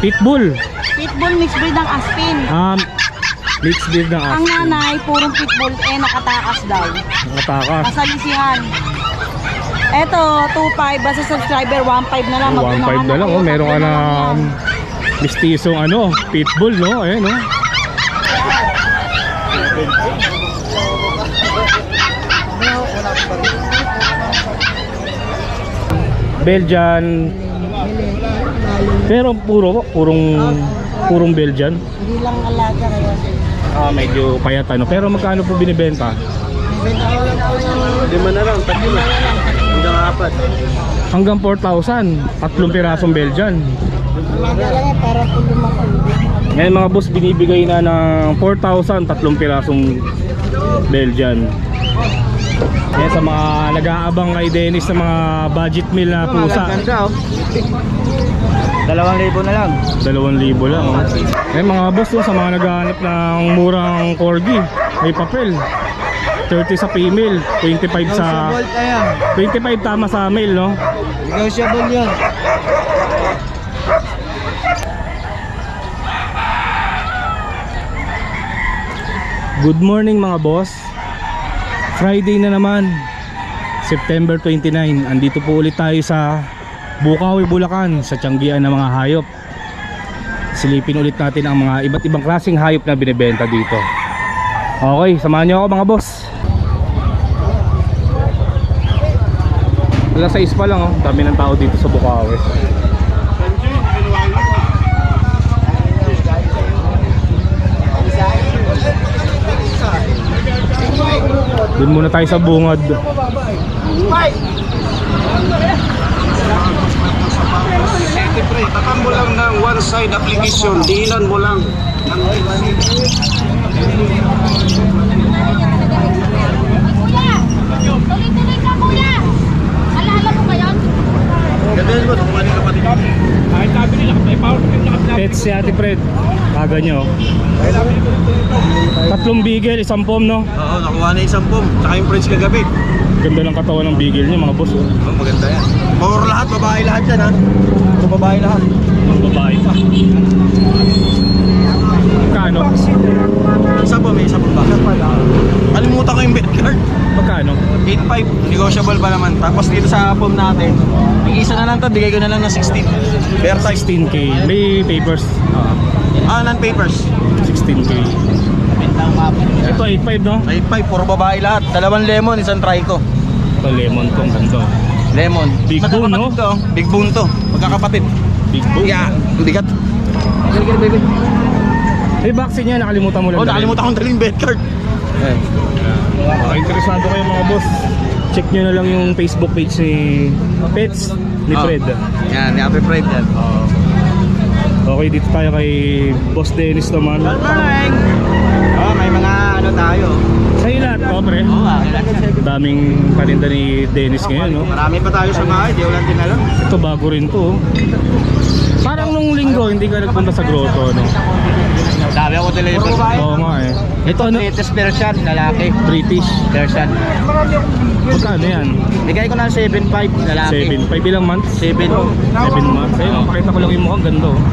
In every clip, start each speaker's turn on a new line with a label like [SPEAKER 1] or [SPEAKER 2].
[SPEAKER 1] Pitbull.
[SPEAKER 2] Pitbull mixed breed ng Aspin.
[SPEAKER 1] Mixed breed ng
[SPEAKER 2] Ang
[SPEAKER 1] Aspin.
[SPEAKER 2] nanay, purong pitbull, nakatakas daw.
[SPEAKER 1] Nakatakas.
[SPEAKER 2] Masalisihan. Eto, 2.5, basta subscriber, 1.5 na lang.
[SPEAKER 1] 1.5 na lang, oh. Meron ka na mistisong pitbull, no? Ayan, no? Belgian. Pero purong Belgian.
[SPEAKER 2] Hindi lang alaga ngayon.
[SPEAKER 1] Medyo payat pero magkano po binibenta?
[SPEAKER 3] Lima na lang, tatlo na. Hanggang apat.
[SPEAKER 1] Hanggang 4,000, tatlong pirasong Belgian.
[SPEAKER 2] Alaga lang yan, para po lumaki.
[SPEAKER 1] Ngayon mga boss, binibigay na ng 4,000, tatlong pirasong Belgian. Yan sa mga nag-aabang kay Dennis sa mga budget meal na pusa.
[SPEAKER 3] Ganda, oh. 2,000 na lang.
[SPEAKER 1] 2,000 lang, oh. Ngayon mga boss, sa mga naghahanap ng murang corgi, may papel. 30 sa female, 25 sa...
[SPEAKER 3] Negotiable na yan.
[SPEAKER 1] 25 tama sa male, no?
[SPEAKER 3] Negotiable yan.
[SPEAKER 1] Good morning mga boss. Friday na naman, September 29. Andito po ulit tayo sa Bukawi, Bulacan, sa tiyanggian ng mga hayop. Silipin ulit natin ang mga iba't ibang klaseng hayop na binibenta dito. Okay, samahan niyo ako mga boss. Alas 6 pa lang, oh. Dami ng tao dito sa Bukawi. Doon muna tayo sa bungad.
[SPEAKER 4] Siyempre, takan mo lang ng one side application, diinan mo lang.
[SPEAKER 5] Tuloy-tuloy ka, kuya! Alala mo ba yan?
[SPEAKER 4] Gandun mo, tukuha ng kapatid.
[SPEAKER 1] Pets si Ate Fred. Kaga nyo. Tatlong bigel, isang pom, no?
[SPEAKER 4] Oo, nakuha na isang pom, tsaka yung French kagabi.
[SPEAKER 1] Ganda ng katawan ng bigel niya mga boss, oh.
[SPEAKER 4] Oh, maganda yan. Puro lahat, babae lahat yan, ha? Puro babae lahat.
[SPEAKER 1] Ang babae pa. Magkano?
[SPEAKER 4] Isa po, may isa po ba? Kalimutan ko yung bed card.
[SPEAKER 1] Magkano?
[SPEAKER 4] 8.5, negotiable pa naman. Tapos dito sa pom natin, isa na lang to, bigay ko na lang ng 16. Bear type.
[SPEAKER 1] 16K. May papers.
[SPEAKER 4] Non-papers.
[SPEAKER 1] 16K. Ito 8.5, no?
[SPEAKER 4] 8.5, puro babae lahat. Dalawang lemon, isang trico.
[SPEAKER 1] Ito lemon tong ganito.
[SPEAKER 4] Lemon.
[SPEAKER 1] Big bone, no?
[SPEAKER 4] Magkakapatid to. Big bone to. Magkakapatid.
[SPEAKER 1] Big bone.
[SPEAKER 4] Yeah, bigat. Baby.
[SPEAKER 1] May vaccine niya, nakalimutan mo lang.
[SPEAKER 4] Oh, nakalimutan kong daling bed card.
[SPEAKER 1] Baka interesado kayo mga boss. Check nyo na lang yung Facebook page ni Pets ni Fred.
[SPEAKER 4] Yan, ni Ate Fred yan.
[SPEAKER 1] Okay, dito tayo kay Boss Dennis naman.
[SPEAKER 4] Morning! Oh, may mga ano tayo.
[SPEAKER 1] Sa'yo lahat, pre. Daming paninda ni Dennis ngayon, no?
[SPEAKER 4] Marami pa tayo sa bahay, di ulan din alam.
[SPEAKER 1] Ito bago rin to, oh. Parang nung linggo hindi ka nagpunta sa grotto, no?
[SPEAKER 4] Dami ako deliver.
[SPEAKER 1] Oo nga eh. Ito ano?
[SPEAKER 4] Latest version, lalaki.
[SPEAKER 1] British.
[SPEAKER 4] Version.
[SPEAKER 1] Magkano yan?
[SPEAKER 4] Bigay ko na 7.5, lalaki.
[SPEAKER 1] 7.5 ilang months?
[SPEAKER 4] 7.
[SPEAKER 1] 7 months. Ayun, pakita ko lang yung mukhang ganda, oh.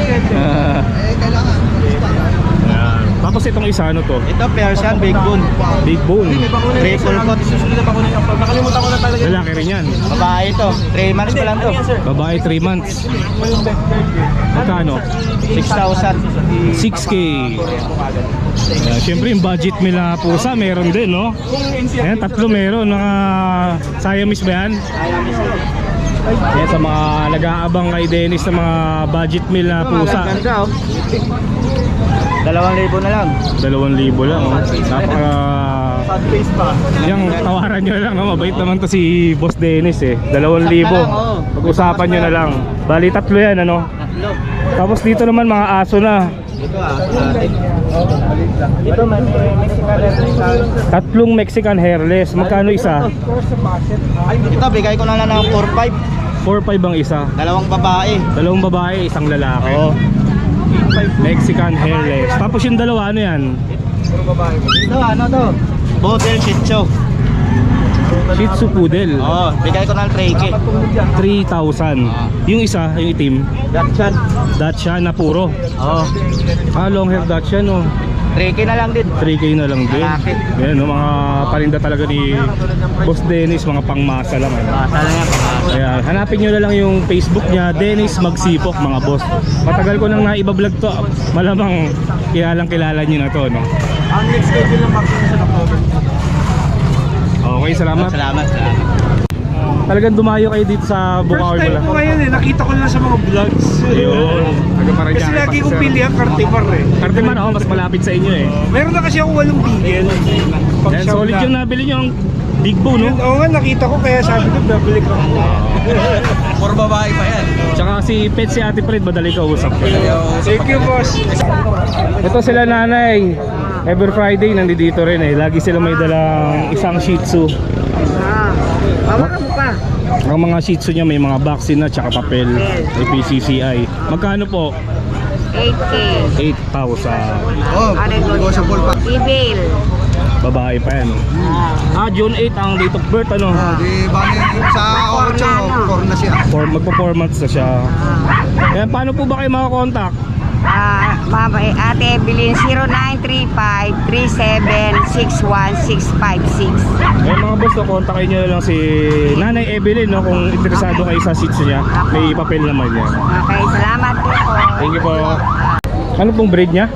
[SPEAKER 1] Ayan. Tapos itong isa ano to?
[SPEAKER 4] Ito, Persian, big bone.
[SPEAKER 1] Big bone.
[SPEAKER 4] Triple coat. Nakalimutan ko na talaga.
[SPEAKER 1] Lalaki rin yan.
[SPEAKER 4] Babae ito, 3 months pa lang to.
[SPEAKER 1] Babae 3 months. Magkano?
[SPEAKER 4] 6,000.
[SPEAKER 1] 6K. Siyempre yung budget nila pusa meron din, no? Ayan, tatlo meron. Mga Siamese ba yan? Ayan, sa mga nag-aabang kay Dennis sa mga budget meal na pusa.
[SPEAKER 4] Ganda, oh. 2,000 na lang.
[SPEAKER 1] 2,000 lang, oh. Napaka...
[SPEAKER 4] Sad face pa.
[SPEAKER 1] Yung tawaran nyo lang, oh. Mabait naman to si Boss Dennis, eh. 2,000.
[SPEAKER 4] oh.
[SPEAKER 1] Pag-usapan nyo na lang. Bali, tatlo yan, ano?
[SPEAKER 4] Tatlo.
[SPEAKER 1] Tapos dito naman mga aso na.
[SPEAKER 4] Ito ito may Mexican hairless.
[SPEAKER 1] Tatlong Mexican hairless. Magkano isa?
[SPEAKER 4] Ito bigay ko na lang ng 4.5.
[SPEAKER 1] 4.5 ang isa.
[SPEAKER 4] Dalawang babae.
[SPEAKER 1] Dalawang babae, isang lalaki.
[SPEAKER 4] Oo.
[SPEAKER 1] Mexican hairless. Tapos yung dalawa, ano yan?
[SPEAKER 4] Ito ano to? Border Shih Tzu.
[SPEAKER 1] Shih Tzu Poodle.
[SPEAKER 4] Oo, bigay ko ng 3K.
[SPEAKER 1] 3,000. Yung isa, yung itim,
[SPEAKER 4] Dachshund.
[SPEAKER 1] Dachshund na puro.
[SPEAKER 4] Oo,
[SPEAKER 1] Long hair Dachshund, no?
[SPEAKER 4] 3K na lang din.
[SPEAKER 1] 3K na lang din.
[SPEAKER 4] Malaki.
[SPEAKER 1] Yan, no, mga parinda talaga ni Boss Dennis, mga pangmasa lang. Ano?
[SPEAKER 4] Basa lang yan.
[SPEAKER 1] Kaya hanapin nyo na lang yung Facebook niya, Dennis Magsipok, mga boss. Matagal ko nang naiba-vlog to. Malamang kilala nyo na to, no?
[SPEAKER 4] Ang next schedule ng vaccine sa October.
[SPEAKER 1] Okay, salamat.
[SPEAKER 4] Salamat.
[SPEAKER 1] Talagang dumayo kayo dito sa Bukawi pala.
[SPEAKER 3] ngayon nakita ko lang sa mga vlogs.
[SPEAKER 1] Ayun.
[SPEAKER 3] Kasi lagi kong pilihan Cartimar eh.
[SPEAKER 1] Cartimar, oh, mas malapit sa inyo eh.
[SPEAKER 3] Meron na kasi ako 8 bigel.
[SPEAKER 1] Yan, solid yung nabili nyo, ang Big Boo, no?
[SPEAKER 3] Oo nga, nakita ko kaya sabi ko, babalik ako.
[SPEAKER 4] Puro babae pa yan.
[SPEAKER 1] Tsaka si Pet, si Ate Fred, madali ka usap ko.
[SPEAKER 3] Thank you, boss.
[SPEAKER 1] Ito sila nanay. Every Friday nandito rin eh. Lagi sila may dalang isang Shih Tzu.
[SPEAKER 2] Bawa mo pa.
[SPEAKER 1] Ang mga Shih Tzu niya may mga vaccine na tsaka papel. May PCCI. Magkano po?
[SPEAKER 5] 8K.
[SPEAKER 1] 8,000.
[SPEAKER 4] Oh, negotiable pa.
[SPEAKER 5] Evil.
[SPEAKER 1] Babae pa yan. June 8 ang date of birth, ano?
[SPEAKER 4] Di ba sa 8, 4 na siya.
[SPEAKER 1] Magpo-4 months na siya. Kaya paano po ba kayo makakontakt?
[SPEAKER 5] Ate Evelyn 0935-3761-656.
[SPEAKER 1] Eh mga boss, no, kontakin nyo lang si Nanay Evelyn, no, kung interesado kayo sa Shih Tzu niya. May papel naman yan.
[SPEAKER 5] Okay, salamat po.
[SPEAKER 1] Thank you po. Ano pong breed niya?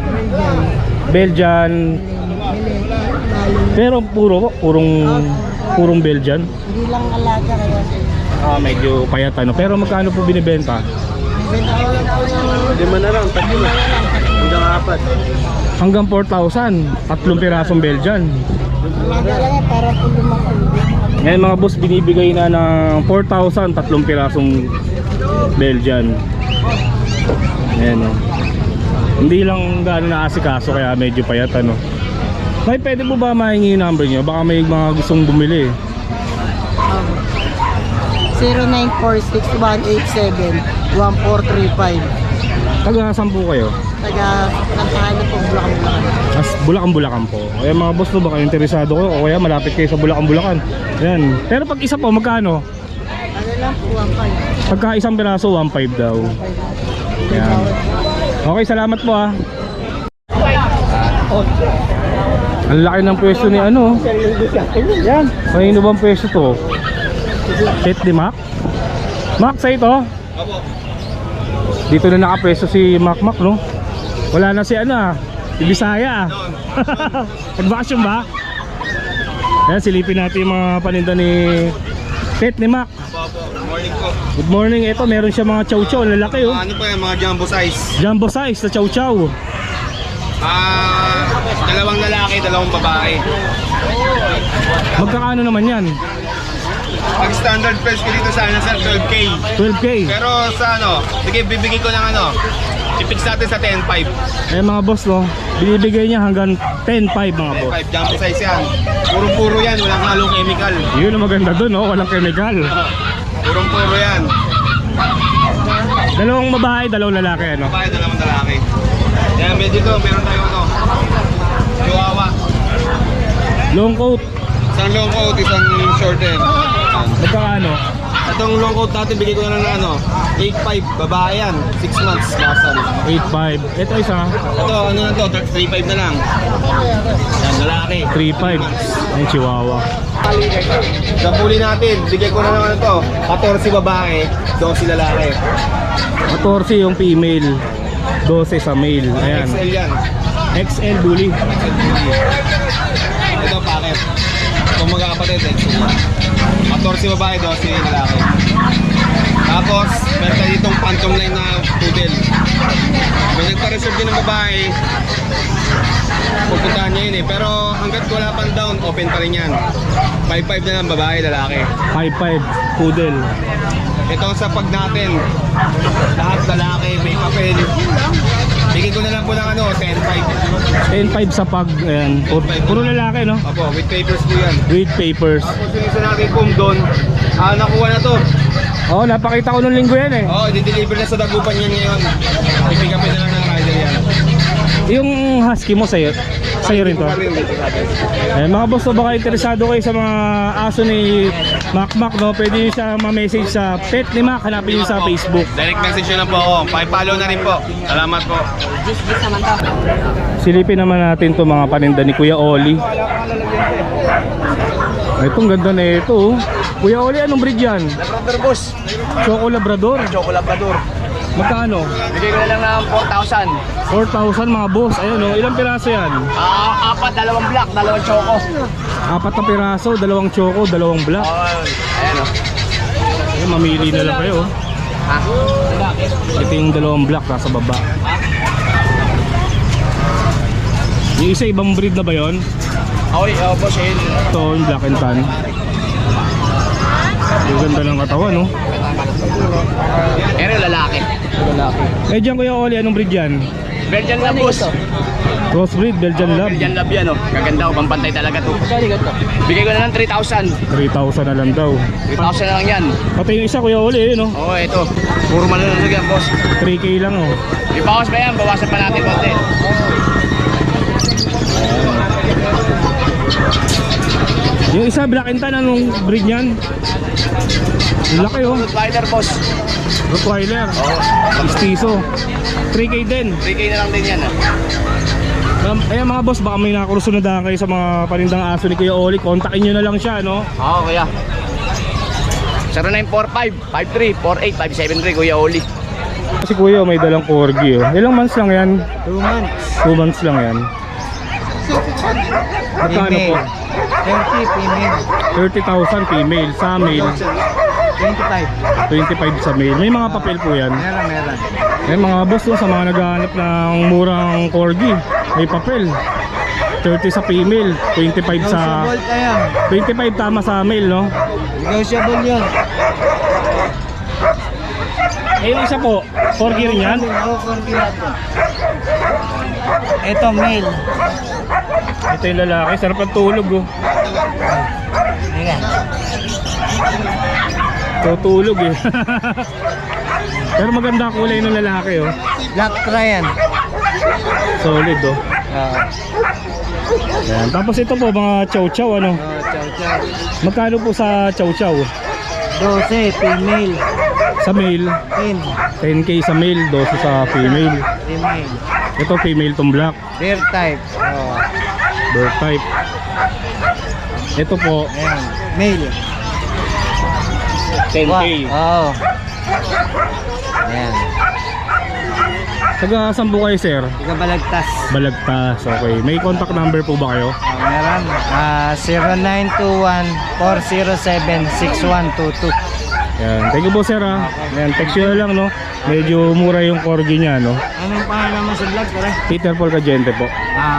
[SPEAKER 1] Belgian. Pero purong Belgian.
[SPEAKER 2] Hindi lang alaga kaya.
[SPEAKER 1] Medyo payat ano. Pero magkano po binibenta?
[SPEAKER 3] 5 na lang, 3 na. Hanggang 4.
[SPEAKER 1] Hanggang 4,000. 3 pirasong Belgian.
[SPEAKER 2] Alaga lang yan para po lumaki.
[SPEAKER 1] Ngayon mga boss, binibigay na ng 4,000, 3 pirasong Belgian. Ayan, no. Hindi lang gano'n naasikaso kaya medyo payat ano. May pwede mo ba mahingi yung number nyo? Baka may mga gustong bumili.
[SPEAKER 2] 0946-187-1435.
[SPEAKER 1] Taga saan po kayo?
[SPEAKER 2] Taga Kantahan po, Bulacan.
[SPEAKER 1] Bulacan po. Kaya mga boss, no, baka interesado ko o kaya malapit kayo sa Bulacan. Ayan. Pero pag isa po, magkano?
[SPEAKER 2] Ano lang po, 1.5.
[SPEAKER 1] Pagka isang piraso, 1.5 daw. Ayan. Okay, salamat po ah. Ang laki ng pwesto ni ano. Yan. Kanino bang pwesto to? Pet ni Mac? Mac, sa ito? Dito na nakapwesto si Mac, no? Wala na si ano ah, si Bisaya ah. Nagbakasyon ba? Ayan, silipin natin yung mga paninda ni Pet ni Mac.
[SPEAKER 4] Morning po.
[SPEAKER 1] Good morning. Ito, meron siya mga chow-chow. Lalaki oh.
[SPEAKER 4] Ano pa yan, mga jumbo size?
[SPEAKER 1] Jumbo size na chow-chow.
[SPEAKER 4] Dalawang lalaki, dalawang babae.
[SPEAKER 1] Magkakano naman yan?
[SPEAKER 4] Pag standard price ko dito sana sa 12K.
[SPEAKER 1] 12K.
[SPEAKER 4] Pero sa ano, sige bibigay ko ng ano, i-fix natin sa 10.5.
[SPEAKER 1] Eh mga boss, no, binibigay niya hanggang 10.5 mga boss.
[SPEAKER 4] 10.5 jumbo size yan. Puro-puro yan, walang halong chemical.
[SPEAKER 1] Yun ang maganda dun, no? Walang chemical.
[SPEAKER 4] Puro-puro yan.
[SPEAKER 1] Dalawang babae, dalawang lalaki, ano?
[SPEAKER 4] Babae, dalawang lalaki. Yan, medyo to, meron tayo ano, Chihuahua.
[SPEAKER 1] Long coat.
[SPEAKER 4] Isang long coat, isang short hair.
[SPEAKER 1] Magkakano?
[SPEAKER 4] Itong long coat natin, bigay ko na lang ng ano, 8.5, babae yan, 6 months, lasan.
[SPEAKER 1] 8.5. Ito isa,
[SPEAKER 4] Ito, ano na to, 3.5 na lang. Yan, lalaki.
[SPEAKER 1] 3.5. Ang Chihuahua.
[SPEAKER 4] Sa puli natin, bigay ko na lang ano to, 14 babae, 12 lalaki.
[SPEAKER 1] 14 yung female, 12 sa male. Ayan.
[SPEAKER 4] XL yan.
[SPEAKER 1] XL bully.
[SPEAKER 4] XL puli. Ito, packet. Kung magkakapatid, XL yan. 14 babae, 12 lalaki. Tapos, meron tayo ditong phantom line na poodle. May nagpa-reserve din ng babae. Pupuntahan niya yun eh. Pero hanggat wala pang down, open pa rin yan. 5.5 na lang babae, lalaki.
[SPEAKER 1] 5.5 poodle.
[SPEAKER 4] Ito sa pag natin, lahat lalaki, may papel. Bigay ko na lang po ng ano, 10.5.
[SPEAKER 1] 10.5 sa pag. Ayan. Puro lalaki, no?
[SPEAKER 4] Opo, with papers po yan.
[SPEAKER 1] With papers.
[SPEAKER 4] Tapos yung isa natin pong doon, nakuha na to.
[SPEAKER 1] Oh, napakita ko nung linggo yan eh.
[SPEAKER 4] Oo, di-deliver na sa Dagupan yan ngayon. I-pick upin na lang ng rider yan.
[SPEAKER 1] Yung husky mo sa'yo, Sa'yo rin to. Mga boss, so baka interesado kayo sa mga aso ni Mac, no? Pwede nyo siya ma-message sa Pet ni Mac. Hanapin nyo sa Facebook.
[SPEAKER 4] Direct message nyo na po ako. Pa-follow na rin po. Salamat po.
[SPEAKER 1] Silipin naman natin to mga paninda ni Kuya Oli. Itong ganda na ito. Kuya Oli, anong breed yan?
[SPEAKER 3] Labrador boss.
[SPEAKER 1] Choco Labrador.
[SPEAKER 3] Choco Labrador.
[SPEAKER 1] Magkano?
[SPEAKER 3] Bigay ko na lang ng 4,000.
[SPEAKER 1] 4,000 mga boss. Ayun o, ilang piraso yan?
[SPEAKER 3] Apat, dalawang black, dalawang choco.
[SPEAKER 1] 4 na piraso, 2 choco, 2 black.
[SPEAKER 3] Ayan o.
[SPEAKER 1] Ayun, mamili na lang kayo. Ito yung 2 black nasa baba. Yung isa ibang breed na ba yun?
[SPEAKER 3] Okay, boss, yun.
[SPEAKER 1] Ito yung black and tan. Yung ganda ng katawan, no?
[SPEAKER 3] Pero lalaki.
[SPEAKER 1] Eh dyan Kuya Oli, anong breed yan?
[SPEAKER 3] Belgian Lab boss.
[SPEAKER 1] Crossbreed, Belgian Lab.
[SPEAKER 3] Belgian Lab yan o. Gaganda o, pampantay talaga to. Bigay ko na lang 3,000.
[SPEAKER 1] 3,000 na lang daw.
[SPEAKER 3] 3,000 na lang yan.
[SPEAKER 1] Pati yung isa Kuya Oli, no?
[SPEAKER 3] Oo, ito. Puro malulusog yan boss.
[SPEAKER 1] 3K lang, oh.
[SPEAKER 3] Ibawas pa yan, bawasan pa natin konti.
[SPEAKER 1] Yung isa black and tan, anong breed niyan? Yung laki, oh.
[SPEAKER 3] Rottweiler boss.
[SPEAKER 1] Rottweiler. Mestizo. 3K din.
[SPEAKER 3] 3K na lang din yan.
[SPEAKER 1] Ayan mga boss, baka may nakakusunadahan kayo sa mga panindang aso ni Kuya Oli. Kontakin nyo na lang siya, no?
[SPEAKER 3] Oo, kuya. 0945-53-48-573 Kuya Oli.
[SPEAKER 1] Kasi Kuya, may dalang corgi, oh. Ilang months lang yan?
[SPEAKER 3] 2 months.
[SPEAKER 1] 2 months lang yan. Magkano po?
[SPEAKER 3] 30 female.
[SPEAKER 1] 30,000 female. Sa male,
[SPEAKER 3] 25.
[SPEAKER 1] 25 sa male. May mga papel po yan.
[SPEAKER 3] Meron.
[SPEAKER 1] Eh mga boss, no, sa mga naghahanap ng murang corgi, may papel. 30 sa female, 25 sa... 25 tama sa male, no?
[SPEAKER 3] Negotiable yun.
[SPEAKER 1] Eh yung isa po, corgi rin yan?
[SPEAKER 3] Oo, corgi natin. Ito, male.
[SPEAKER 1] Ito yung lalaki, sarap ang tulog, oh.
[SPEAKER 3] Ayan.
[SPEAKER 1] Tutulog, eh. Pero maganda ang kulay ng lalaki, oh.
[SPEAKER 3] Black Tryan.
[SPEAKER 1] Solid, oh. Ayan. Tapos ito po, mga chow-chow, ano?
[SPEAKER 3] Chow.
[SPEAKER 1] Magkano po sa chow-chow?
[SPEAKER 3] 12, female.
[SPEAKER 1] Sa male,
[SPEAKER 3] 10,
[SPEAKER 1] 10K sa male, 12 sa female.
[SPEAKER 3] female.
[SPEAKER 1] Ito female tong black,
[SPEAKER 3] Bear type. Oh.
[SPEAKER 1] bird type. Ito po,
[SPEAKER 3] Ayan. Male.
[SPEAKER 1] 10K.
[SPEAKER 3] Oo. Ayan.
[SPEAKER 1] Taga saan po kayo, sir?
[SPEAKER 3] Tiga Balagtas.
[SPEAKER 1] Balagtas, okay. May contact number po ba kayo?
[SPEAKER 3] Meron. 0921-407-6122.
[SPEAKER 1] Yan. Thank you po, sir, ha. Yan, text nyo na lang, no? Medyo mura yung corgi niya, no?
[SPEAKER 3] Anong pangalan mo sa vlog, pare?
[SPEAKER 1] Peter Paul Cagente po.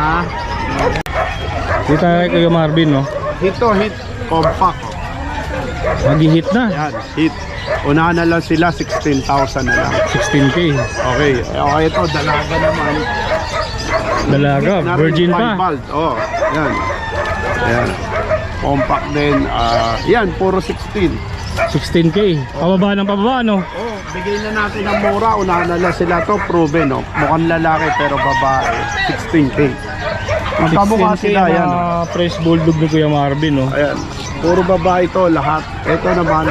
[SPEAKER 1] Dito tayo kay Kuya Marvin, no?
[SPEAKER 6] Ito, hit compact.
[SPEAKER 1] Mag-hit na.
[SPEAKER 6] Yan, hit. Unahan na lang sila, 16,000 na lang.
[SPEAKER 1] 16K.
[SPEAKER 6] Okay, okay ito, dalaga naman.
[SPEAKER 1] Dalaga,
[SPEAKER 6] Hit na rin,
[SPEAKER 1] virgin pa.
[SPEAKER 6] 5 bald. Oh, yan. Yan. Compact din. Yan, puro 16.
[SPEAKER 1] 16K. Pababa ng pababa, no?
[SPEAKER 6] Oh, bigay na natin ng mura. Unahan na lang sila to, proven, no? Mukhang lalaki pero babae. 16K. Magkamukha
[SPEAKER 1] 16K
[SPEAKER 6] sila, yan.
[SPEAKER 1] na fresh bulldog ni Kuya Marvin, no?
[SPEAKER 6] Ayan. Puro babae to lahat. Ito naman,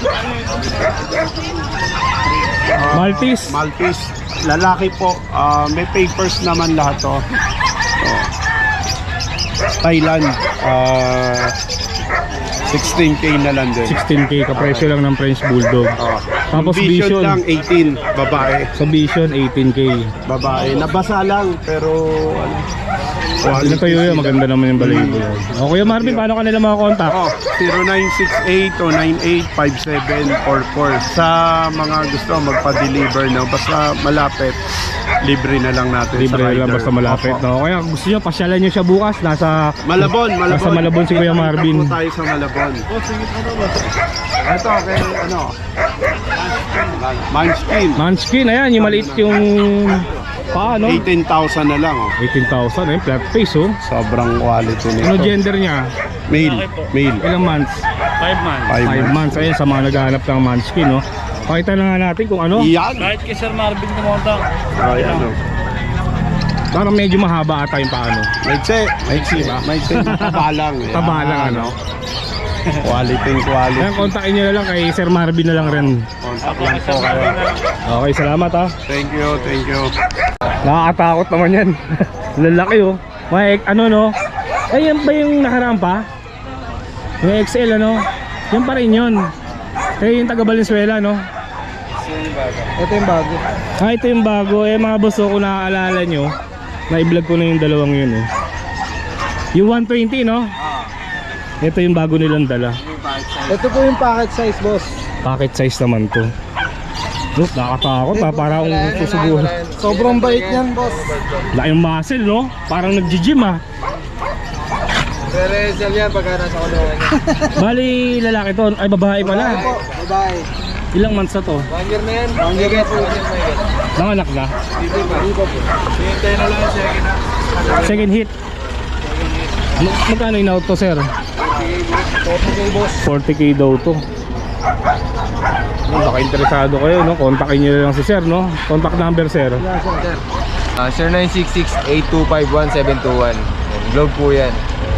[SPEAKER 1] Maltese.
[SPEAKER 6] Maltese. Lalaki po. May papers naman lahat to. Thailand. 16K na lang din.
[SPEAKER 1] 16K, kapresyo lang ng French Bulldog. Tapos
[SPEAKER 6] Yung
[SPEAKER 1] Vision.
[SPEAKER 6] lang 18, babae.
[SPEAKER 1] Sa Vision, 18K.
[SPEAKER 6] Babae. Nabasa lang pero ano.
[SPEAKER 1] Ano tayo yun? Maganda naman yung balayibo yan. O Kuya Marvin, paano ka nila mga contact?
[SPEAKER 6] 0968-098-5744. Sa mga gusto magpa-deliver, no? Basta malapit, libre na lang natin
[SPEAKER 1] Libre
[SPEAKER 6] sa rider.
[SPEAKER 1] lang basta malapit,
[SPEAKER 6] Opo.
[SPEAKER 1] no? Kaya gusto nyo, pasyalan nyo siya bukas. Nasa
[SPEAKER 6] Malabon.
[SPEAKER 1] Malabon si Kuya Marvin.
[SPEAKER 6] Punta po tayo sa Malabon. Ito, okay, ano? Munchkin.
[SPEAKER 1] Munchkin, ayan, yung maliit yung paano?
[SPEAKER 6] 18,000 na lang, oh.
[SPEAKER 1] 18,000, eh, flat face, oh.
[SPEAKER 6] Sobrang quality nito.
[SPEAKER 1] Ano gender niya?
[SPEAKER 6] Male.
[SPEAKER 1] Ilang months?
[SPEAKER 6] 5
[SPEAKER 1] 5 months. Ayun, sa mga naghahanap ng Munchkin, no? Pakita na nga natin kung ano.
[SPEAKER 6] Yan.
[SPEAKER 3] Kahit kay Sir Marvin kumonta.
[SPEAKER 6] Ayan, oh.
[SPEAKER 1] Parang medyo mahaba ata yung paano.
[SPEAKER 6] Maiksi ba? Maiksi. Taba lang.
[SPEAKER 1] Taba lang, ano?
[SPEAKER 6] Quality.
[SPEAKER 1] Ayan, kontakin nyo na lang kay Sir Marvin na lang rin.
[SPEAKER 6] Contact lang po kayo.
[SPEAKER 1] Okay, salamat ha.
[SPEAKER 6] Thank you.
[SPEAKER 1] Nakakatakot naman yan. Lalaki oh. May ano no? Ay, yan ba yung nakaraan pa? Yung XL ano? Yan pa rin yun. Kaya yung taga Valenzuela no?
[SPEAKER 6] Ito yung bago.
[SPEAKER 1] Ah, ito yung bago. Eh mga boss, kung naaalala nyo, na-vlog ko na yung dalawang yun eh. Yung 120 no? Ito yung bago nilang dala.
[SPEAKER 6] Ito po yung packet size, boss.
[SPEAKER 1] Packet size naman to. Look, nakakatakot ha. Parang susubuhan.
[SPEAKER 6] Sobrang bait yan, boss.
[SPEAKER 1] Laking muscle no? Parang nag-gym ha.
[SPEAKER 6] Re-resell yan pagka nasa kulungan niya.
[SPEAKER 1] Bali, lalaki to. Ay, babae pala.
[SPEAKER 6] Babae.
[SPEAKER 1] Ilang months na to?
[SPEAKER 6] 1 year na yan. 1 year po.
[SPEAKER 1] Nanganak na?
[SPEAKER 6] Dito pa. Hintay na lang second na.
[SPEAKER 1] Second hit. Magkano in-out to, sir?
[SPEAKER 6] 40K, boss.
[SPEAKER 1] 40k daw to. Baka interesado kayo, no? Kontakin nyo lang si sir, no? Contact number, sir.
[SPEAKER 7] Sir 0966-825-1721. Globe po yan.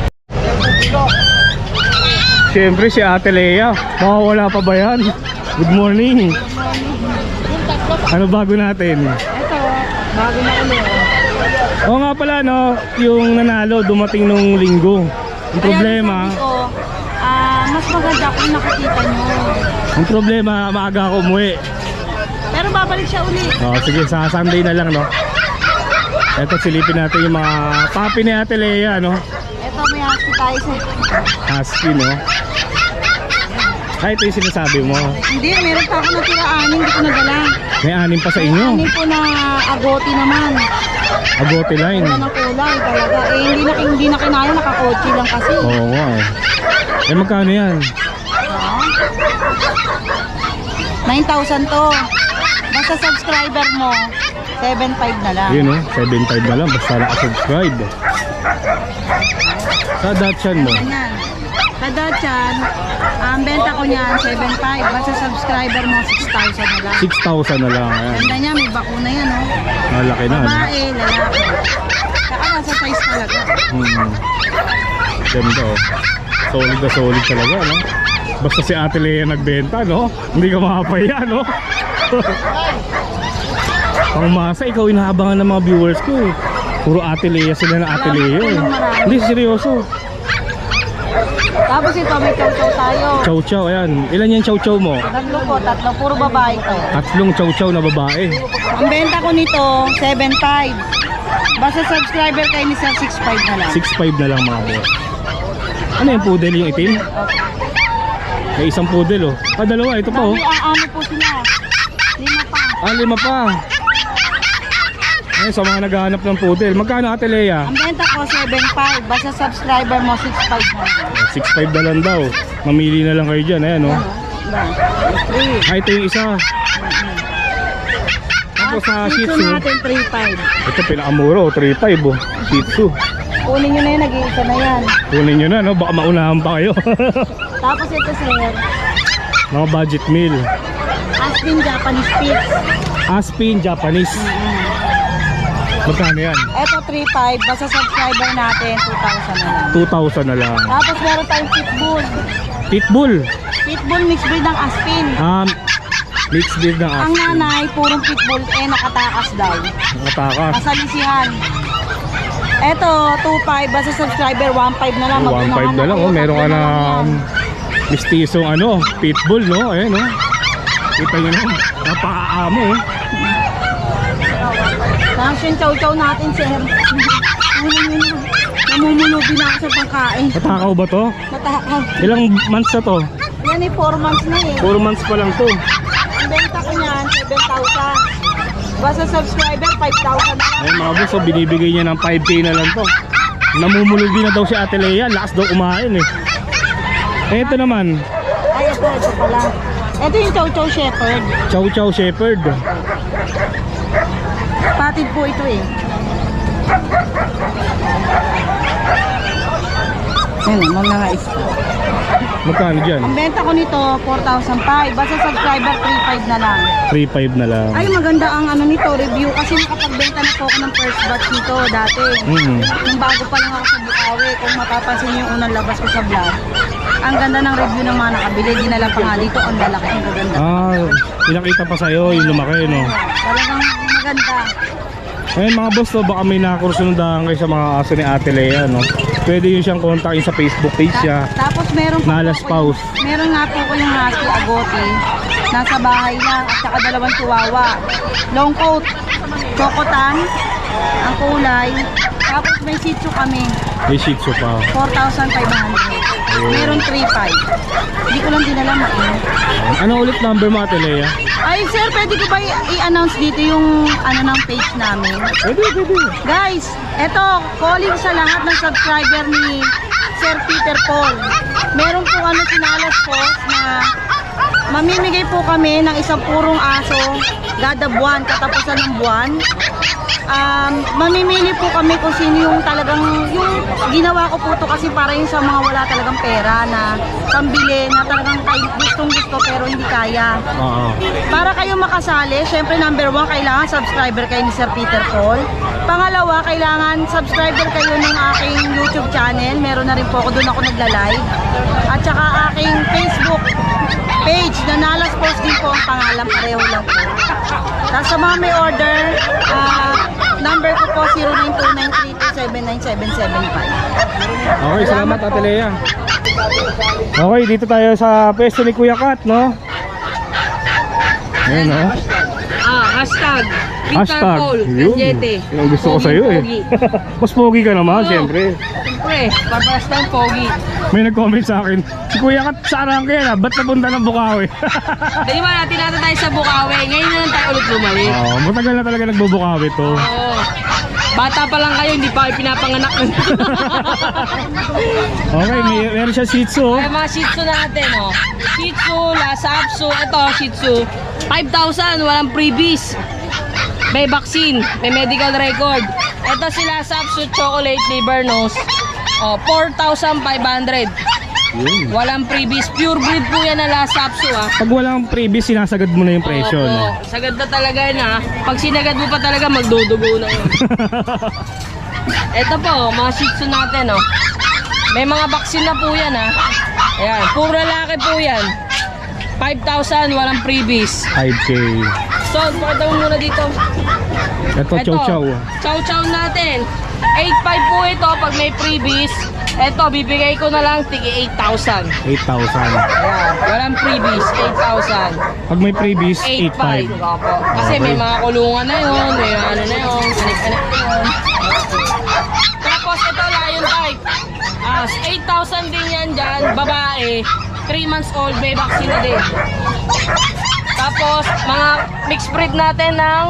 [SPEAKER 1] Siyempre si Ate Lea. Mawawala pa ba yan? Good morning. Ano bago natin?
[SPEAKER 2] Ito, bago na ulit.
[SPEAKER 1] Oo nga pala, no? Yung nanalo dumating nung linggo. Ang problema,
[SPEAKER 2] Sabi ko, mas maganda kung nakikita nyo.
[SPEAKER 1] ang problema, maaga ako umuwi.
[SPEAKER 2] Pero babalik siya ulit.
[SPEAKER 1] Oh, sige, sa Sunday na lang, no? Eto, silipin natin yung mga papi ni Ate Lea, no?
[SPEAKER 2] Ito, may husky tayo sa...
[SPEAKER 1] Husky, no? Ay, ito yung sinasabi mo.
[SPEAKER 2] Hindi, meron pa ako natira 6, hindi ko nadala.
[SPEAKER 1] May 6 pa sa inyo.
[SPEAKER 2] 6 po na agoti naman.
[SPEAKER 1] Agote line.
[SPEAKER 2] Wala na kulay talaga. Eh, hindi na kinaya, nakakotchi lang kasi.
[SPEAKER 1] Oo nga eh. Eh, magkano yan?
[SPEAKER 2] 9,000 to. Basta subscriber mo, 7,500 na lang.
[SPEAKER 1] Yun, no? 7.5 na lang. Basta naka-subscribe. Sa Dachshund mo.
[SPEAKER 2] Ganyan. Sa Dachan, ang benta ko niyan, 7,500. Basta subscriber mo, 6,000 na lang.
[SPEAKER 1] 6,000 na lang. Ayan.
[SPEAKER 2] Ganda niya, may bakuna yan, oh.
[SPEAKER 1] Malaki na, no?
[SPEAKER 2] Babae, lalaki. Saka nasa size talaga.
[SPEAKER 1] Ganda, oh. Solid na solid talaga, no? Basta si Ate Lea nagbenta, no? Hindi ka makapaya, no? Pangmasa, ikaw inahabangan ng mga viewers ko, eh. Puro Ate Lea sila na Ate Lea, eh. Hindi, seryoso.
[SPEAKER 2] Tapos ito, may chow-chow tayo.
[SPEAKER 1] Chow chow, ayan. Ilan yung chow chow mo?
[SPEAKER 2] 3 puro babae to.
[SPEAKER 1] 3 chow chow na babae.
[SPEAKER 2] Ang benta ko nito, 7,500. Basta subscriber kayo ni Sir, 6,500 na lang.
[SPEAKER 1] 6.5 na lang mga boss. Ano yung poodle yung itim? May isang poodle, oh. Ah, dalawa, ito pa, oh.
[SPEAKER 2] Ano po sila? 5 pa.
[SPEAKER 1] Ah, 5 pa. Ayun, sa mga naghahanap ng poodle. Magkano, Ate Lea?
[SPEAKER 2] Ang benta ko, 7,500. Basta subscriber mo, 6,500 na lang.
[SPEAKER 1] 6.5 na lang daw. Mamili na lang kayo dyan, ayan, oh. Ah, ito yung isa. Tapos sa Shih Tzu,
[SPEAKER 2] natin, 3,500.
[SPEAKER 1] ito pinakamura, oh. 3.5, oh. Shih Tzu.
[SPEAKER 2] Kunin nyo na yan, nag-iisa na yan.
[SPEAKER 1] Kunin nyo na, no? Baka maunahan pa kayo.
[SPEAKER 2] Tapos ito, sir,
[SPEAKER 1] Mga budget meal.
[SPEAKER 2] Aspen Japanese Spitz.
[SPEAKER 1] Aspin Japanese. Magkano yan?
[SPEAKER 2] Ito, 3,500. Basta subscriber natin, 2,000 na lang.
[SPEAKER 1] 2,000 na lang.
[SPEAKER 2] Tapos meron tayong Pitbull.
[SPEAKER 1] Pitbull.
[SPEAKER 2] Pitbull mixed breed ng Aspen.
[SPEAKER 1] Mixed breed ng
[SPEAKER 2] Ang
[SPEAKER 1] Aspin.
[SPEAKER 2] nanay, purong Pitbull, nakatakas daw.
[SPEAKER 1] Nakatakas.
[SPEAKER 2] Kasalisihan. Eto, 2,500. Basta subscriber, 1,500 na lang.
[SPEAKER 1] 1.5 na lang, oh. Meron ka na mistisong ano, Pitbull, no? Ayan, no? Kita nyo na, napakaamo, oh.
[SPEAKER 2] Tapos yung chow-chow natin, sir. Namumulubi na ako sa pangkain.
[SPEAKER 1] Natakaw ba to?
[SPEAKER 2] Matakaw.
[SPEAKER 1] Ilang months na to?
[SPEAKER 2] Yan eh, 4 months na eh.
[SPEAKER 1] 4 months pa lang to.
[SPEAKER 2] Ang benta ko niyan, 7,000. Basta subscriber, 5,000 na lang.
[SPEAKER 1] Ayun mga boss, so binibigay niya ng 5k na lang to. Namumulubi na daw si Ate Lea, lakas daw kumain eh. Eh, ito naman,
[SPEAKER 2] Ay, ito pala. Ito yung chow-chow shepherd.
[SPEAKER 1] Chow Chow Shepherd.
[SPEAKER 2] Patid po ito eh. Ayun, mga isa.
[SPEAKER 1] Magkano dyan?
[SPEAKER 2] Ang benta ko nito, 4,500. Basta subscriber, 3,500 na lang.
[SPEAKER 1] 3.5 na lang.
[SPEAKER 2] Ay, maganda ang ano nito, review. Kasi nakapagbenta na po ako ng first batch nito dati. Nung bago pa lang ako sa Bukawi, kung mapapansin niyo yung unang labas ko sa vlog. Ang ganda ng review ng mga nakabili. Dinala pa nga dito, ang lalaki, ang gaganda.
[SPEAKER 1] Pinakita pa sa'yo yung lumaki, no?
[SPEAKER 2] Talagang maganda.
[SPEAKER 1] Ngayon mga boss, no, baka may nakakursundahan kayo sa mga aso ni Ate Lea, no? Pwede yun siyang kontakin sa Facebook page niya.
[SPEAKER 2] Tapos meron pa
[SPEAKER 1] Nalas
[SPEAKER 2] po ako
[SPEAKER 1] Paus.
[SPEAKER 2] meron nga po ko yung husky agoti. Nasa bahay lang at saka 2 chihuahua. Long coat, chocotan, ang kulay. Tapos may shih tzu kami,
[SPEAKER 1] May Shih Tzu pa.
[SPEAKER 2] 4,500. Meron 3,500. Hindi ko lang dinala mainit.
[SPEAKER 1] Ano ulit number mo, Ate Lea?
[SPEAKER 2] Ay sir, pwede ko ba i-announce dito yung ano ng page namin?
[SPEAKER 1] Pwede.
[SPEAKER 2] Guys, eto, calling sa lahat ng subscriber ni Sir Peter Paul. Meron po sinalas po na mamimigay po kami ng isang purong aso kada buwan, katapusan ng buwan. Mamimili po kami kung sino yung talagang, yung ginawa ko po to kasi para yung sa mga wala talagang pera na pambili, na talagang gustong gusto pero hindi kaya. Para kayo makasali, syempre number 1, kailangan subscriber kayo ni Sir Peter Paul. Pangalawa, kailangan subscriber kayo ng aking YouTube channel. Meron na rin po ako, doon ako nagla-live. At saka aking Facebook page na Nalas Post din po ang pangalan, pareho lang po. Tapos sa mga may order, number ko po 092932797775.
[SPEAKER 1] Okay, salamat Ate Lea. Okay, dito tayo sa pwesto ni Kuya Kat, no? Ayan, no?
[SPEAKER 2] Hashtag
[SPEAKER 1] Hashtag, yun. Yung gusto ko sa'yo eh. Mas pogi ka naman, siyempre.
[SPEAKER 2] Siyempre, paparas ng pogi.
[SPEAKER 1] May nag-comment sa akin, si Kuya Kat saan ka yan, ba't napunta ng Bukawi?
[SPEAKER 2] Di ba natin tayo sa Bukawi, ngayon na lang tayo ulit bumalik.
[SPEAKER 1] Matagal na talaga nagbubukawi to.
[SPEAKER 2] Oo. Bata pa lang kayo, hindi pa kayo pinapanganak.
[SPEAKER 1] Okay, meron siya Shih Tzu.
[SPEAKER 2] Ay, mga Shih Tzu natin, oh. Shih Tzu, Lhasa Apso, ito Shih Tzu. 5,000, walang freebies. May vaccine, may medical record. Ito si Lhasa Apso, chocolate liver nose. 4,500. Walang freebies. Pure breed po yan na Lhasa Apso, ha.
[SPEAKER 1] Pag walang previous, sinasagad mo na yung presyo, no?
[SPEAKER 2] Sagad na talaga yun, ha. Pag sinagad mo pa talaga, magdudugo na yun. Ito po, mga Shih Tzu natin, oh. May mga vaccine na po yan, ha. Ayan, puro lalaki po yan. 5,000, walang freebies.
[SPEAKER 1] 5K.
[SPEAKER 2] So, pakita mo muna dito.
[SPEAKER 1] Ito, chow chow.
[SPEAKER 2] Chow chow natin. 8,500 po ito pag may freebies. Ito, bibigay ko na lang tigi 8,000.
[SPEAKER 1] 8,000.
[SPEAKER 2] Ayan, walang freebies, 8,000.
[SPEAKER 1] Pag may previous,
[SPEAKER 2] 8,500.
[SPEAKER 1] 8,500.
[SPEAKER 2] Opo. Kasi may mga kulungan na yun, may ano na yun, anik-anik na yun. Tapos ito, lion type. 8,000 din yan dyan, babae. 3 months old, may vaccine na din. Tapos, mga mixed breed natin ng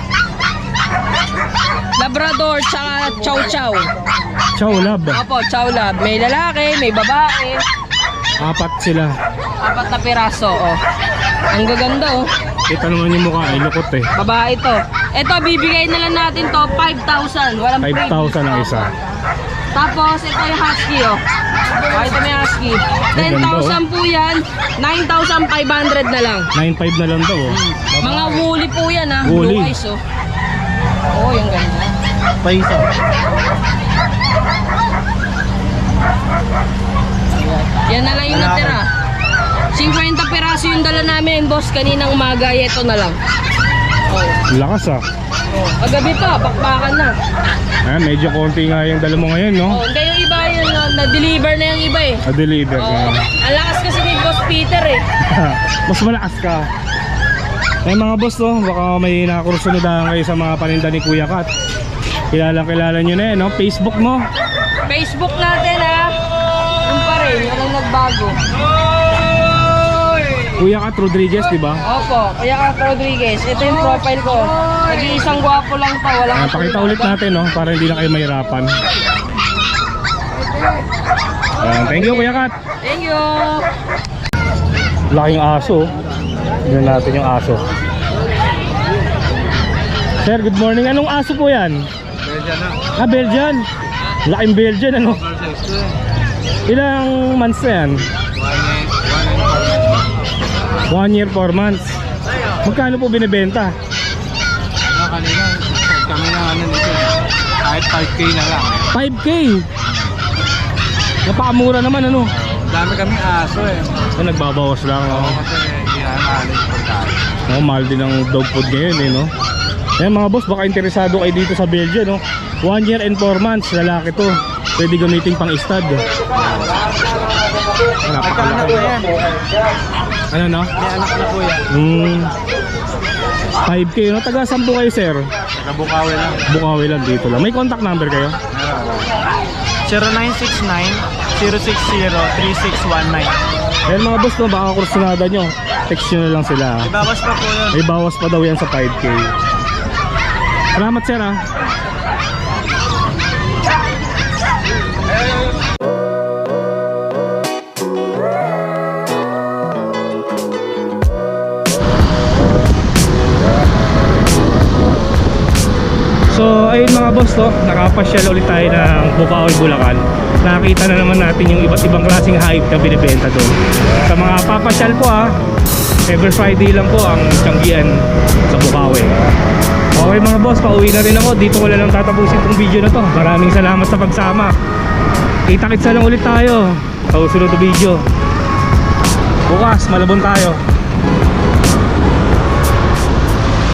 [SPEAKER 2] Labrador tsaka Chow Chow.
[SPEAKER 1] Chow lab.
[SPEAKER 2] Opo, Chow Lab. May lalaki, may babae.
[SPEAKER 1] 4 sila.
[SPEAKER 2] 4 na piraso, oh. Ang gaganda, oh.
[SPEAKER 1] Kita naman yung mukha, ay lukot eh.
[SPEAKER 2] Babae to. Ito, bibigay na lang natin to 5,000. Walang
[SPEAKER 1] 5,000 ang isa.
[SPEAKER 2] Tapos, ito yung husky, oh. Ito may husky. 10,000 po yan. 9,500 na lang.
[SPEAKER 1] 9,500 na lang daw, oh.
[SPEAKER 2] Mga woolly po yan, ha.
[SPEAKER 1] Woolly.
[SPEAKER 2] Blue eyes, oh. Oh, yung ganda.
[SPEAKER 1] Paisa.
[SPEAKER 2] Yan na lang yung natira. 50 piraso yung dala namin, boss. Kaninang umaga, ito na lang. Oh.
[SPEAKER 1] Lakas ah.
[SPEAKER 2] Oh. Kagabi pa, bakbakan na.
[SPEAKER 1] Ayan, medyo konti nga yung dala mo ngayon, no?
[SPEAKER 2] Oh, hindi yung iba yun, na-deliver na yung iba eh.
[SPEAKER 1] Na-deliver
[SPEAKER 2] Oh.
[SPEAKER 1] na.
[SPEAKER 2] Ang lakas kasi ni Boss Peter eh.
[SPEAKER 1] Mas malakas ka. Eh mga boss, no? Baka may nakakursunodahan kayo sa mga paninda ni Kuya Kat. Kilala nyo na no? Facebook mo.
[SPEAKER 2] Facebook natin ha. Yung pa rin, walang nagbago.
[SPEAKER 1] Kuya Kat Rodriguez, di ba?
[SPEAKER 2] Opo, Kuya Kat Rodriguez. Ito yung profile ko. Nag-iisang gwapo lang to. Walang
[SPEAKER 1] Pakita ulit natin, no? Para hindi na kayo mahirapan. Thank you, Kuya Kat.
[SPEAKER 2] Thank you.
[SPEAKER 1] Laking aso. Tignan natin yung aso. Sir, good morning. Anong aso po yan?
[SPEAKER 7] Belgian na.
[SPEAKER 1] Belgian. Laking Belgian, ano? Ilang months na yan? 1 year 4 months. Magkano po binibenta?
[SPEAKER 7] Kanina, kami na nito. Kahit 5K na lang.
[SPEAKER 1] 5K. Napakamura naman ano.
[SPEAKER 7] Dami kami aso eh.
[SPEAKER 1] Nagbabawas lang oh.
[SPEAKER 7] Kasi inahalit pagkain.
[SPEAKER 1] Mahal din ang dog food ngayon eh no. Ayan mga boss, baka interesado kayo dito sa Belgium no. 1 year and 4 months, lalaki to. Pwede gamitin pang stud. Napakalaki. Ano no?
[SPEAKER 7] May anak na po yan.
[SPEAKER 1] 5K no? Taga saan po kayo sir?
[SPEAKER 7] Nabukawi lang.
[SPEAKER 1] Bukawi lang dito lang. May contact number kayo?
[SPEAKER 8] 0969-060-3619.
[SPEAKER 1] Ayan mga boss no, baka kursunada nyo. Text nyo na lang sila.
[SPEAKER 8] Ibawas pa po yun.
[SPEAKER 1] May bawas pa daw yan sa 5K. Salamat sir ha. So ayun mga boss no, nakapasyal ulit tayo ng Bukawi, Bulacan. Nakita na naman natin yung iba't ibang klaseng hayop na binibenta doon. Sa mga papasyal po every Friday lang po ang tiyanggian sa Bukawi. Okay mga boss, pauwi na rin ako. Dito ko lang tatapusin tong video na to. Maraming salamat sa pagsama. Kita-kitsa lang ulit tayo sa susunod na video. Bukas, Malabon tayo.